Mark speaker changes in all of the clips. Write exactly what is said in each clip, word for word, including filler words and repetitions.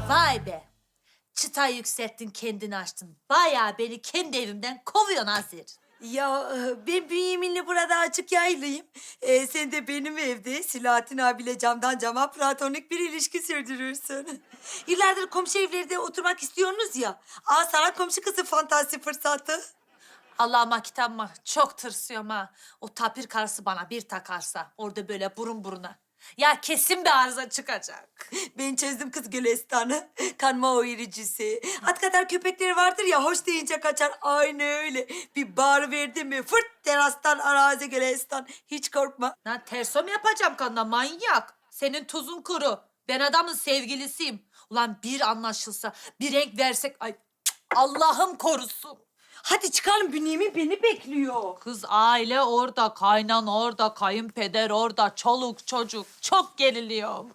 Speaker 1: Vay be. Çıta yükselttin, kendini açtın. Bayağı beni kendi evimden kovuyorsun Azir.
Speaker 2: Ya e, ben Bünyamin'le burada açık yaylıyım. Ee, sen de benim evde Silahattin abiyle camdan cama platonik bir ilişki sürdürürsün. Yıllardır komşu evlerde oturmak istiyorsunuz ya. Aa sana komşu kızı fantasi fırsatı.
Speaker 1: Allah'ıma kitabıma çok tırsıyorum ha. O tapir karısı bana bir takarsa orada böyle burun buruna. Ya kesin bir arıza çıkacak.
Speaker 2: Ben çözdüm kız Gülistan'ı. Kanma o iricisi. At kadar köpekleri vardır ya, hoş deyince kaçar. Aynı öyle. Bir bağır verdi mi fırt terastan arazi Gülistan. Hiç korkma.
Speaker 1: Lan terso mu yapacağım kanına manyak? Senin tuzun kuru. Ben adamın sevgilisiyim. Ulan bir anlaşılsa, bir renk versek... Ay cık, Allah'ım korusun.
Speaker 2: Hadi çıkalım, Bünyamin beni bekliyor.
Speaker 1: Kız aile orada, kaynan orada, kayınpeder orada, çoluk çocuk. Çok geriliyorum.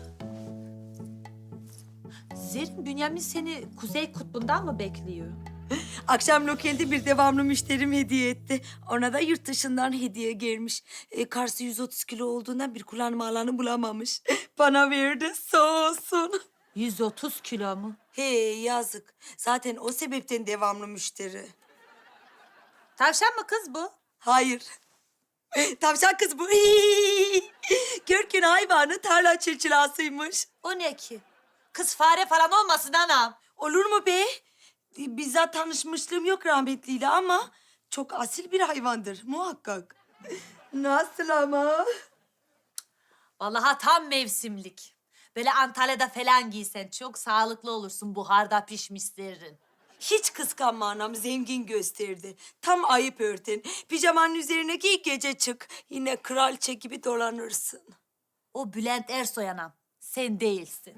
Speaker 1: Zerrin, Bünyamin seni Kuzey Kutbu'ndan mı bekliyor?
Speaker 2: Akşam lokelde bir devamlı müşterim hediye etti. Ona da yurt dışından hediye gelmiş. E, karşı yüz otuz kilo olduğundan bir kullanma alanı bulamamış. Bana verdi, sağ olsun.
Speaker 1: yüz otuz kilo mu?
Speaker 2: He yazık. Zaten o sebepten devamlı müşteri.
Speaker 1: Tavşan mı kız bu?
Speaker 2: Hayır. Tavşan kız bu. Görkün hayvanı tarla çırçılasıymış.
Speaker 1: O ne ki? Kız fare falan olmasın anam.
Speaker 2: Olur mu be? Bizzat tanışmışlığım yok rahmetliyle ama çok asil bir hayvandır muhakkak. Nasıl ama?
Speaker 1: Vallahi tam mevsimlik. Böyle Antalya'da falan giysen çok sağlıklı olursun buharda pişmiş zerrin.
Speaker 2: Hiç kıskanma anam, zengin gösterdi. Tam ayıp örten. Pijamanın üzerine giy, gece çık. Yine kraliçe gibi dolanırsın.
Speaker 1: O Bülent Ersoy anam. Sen değilsin.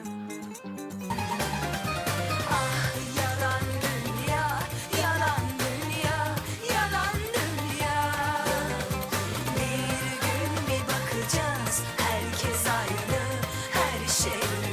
Speaker 2: Yalan dünya, yalan dünya, yalan dünya. Bir gün bir bakacağız, herkes aynı, her şey